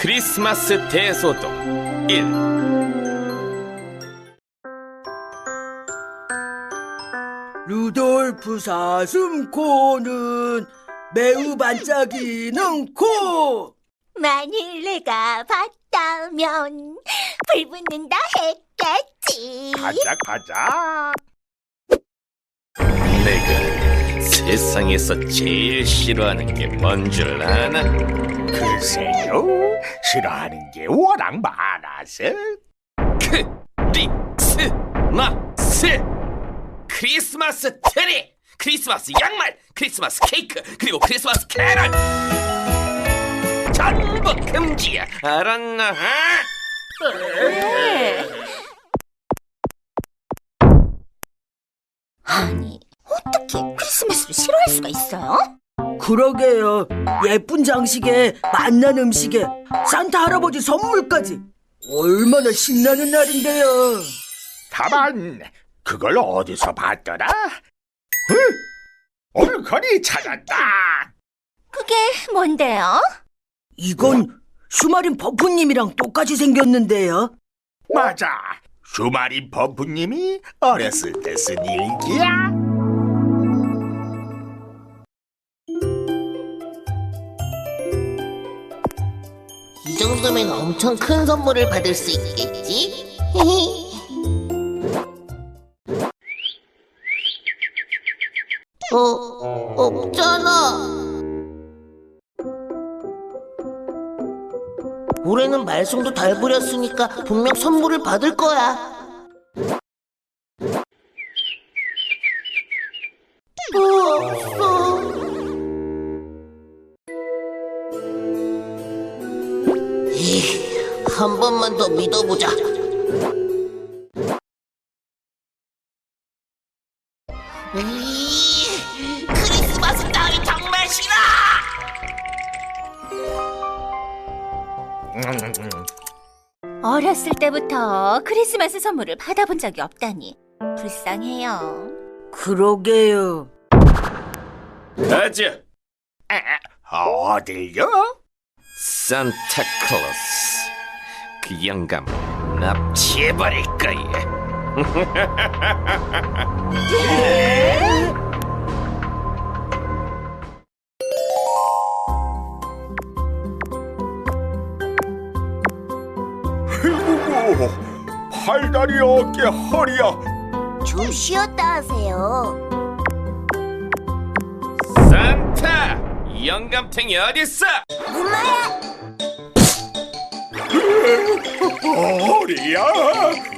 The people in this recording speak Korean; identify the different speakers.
Speaker 1: 크리스마스 대소동 1.
Speaker 2: 루돌프 사슴코는 매우 반짝이는 코.
Speaker 3: 만일 내가 봤다면 불 붙는다 했겠지.
Speaker 4: 가자.
Speaker 1: 내가 세상에서 제일 싫어하는 게 뭔 줄 아나?
Speaker 4: 글쎄요, 싫어하는 게 워낙 많아서.
Speaker 1: 크리스마스! 크리스마스 트리! 크리스마스 양말! 크리스마스 케이크! 그리고 크리스마스 캐럴! 전부 금지야! 알았나?
Speaker 3: 아니, 어떻게 크리스마스를 싫어할 수가 있어요?
Speaker 2: 그러게요. 예쁜 장식에 맛난 음식에 산타 할아버지 선물까지. 얼마나 신나는 날인데요.
Speaker 4: 가만, 그걸 어디서 봤더라? 응? 올거리 찾았다.
Speaker 3: 그게 뭔데요?
Speaker 2: 이건 슈마린 버프님이랑 똑같이 생겼는데요.
Speaker 4: 맞아, 슈마린 버프님이 어렸을 때 쓴 일기야.
Speaker 5: 이 정도면 엄청 큰 선물을 받을 수 있겠지? 없잖아. 올해는 말썽도 잘 부렸으니까 분명 선물을 받을 거야. 없어. 한 번만 더 믿어보자. 크리스마스 따위 정말 싫어!
Speaker 3: 어렸을 때부터 크리스마스 선물을 받아본 적이 없다니 불쌍해요.
Speaker 2: 그러게요.
Speaker 1: 아주
Speaker 4: 어딜요?
Speaker 1: 산타클로스 그 영감 납치해버릴 거야.
Speaker 4: 아이고, 팔다리 어깨 허리야.
Speaker 3: 좀 쉬었다 하세요.
Speaker 1: 산타! 이 영감탱이 어딨어?
Speaker 3: 엄마야!
Speaker 4: 허리야.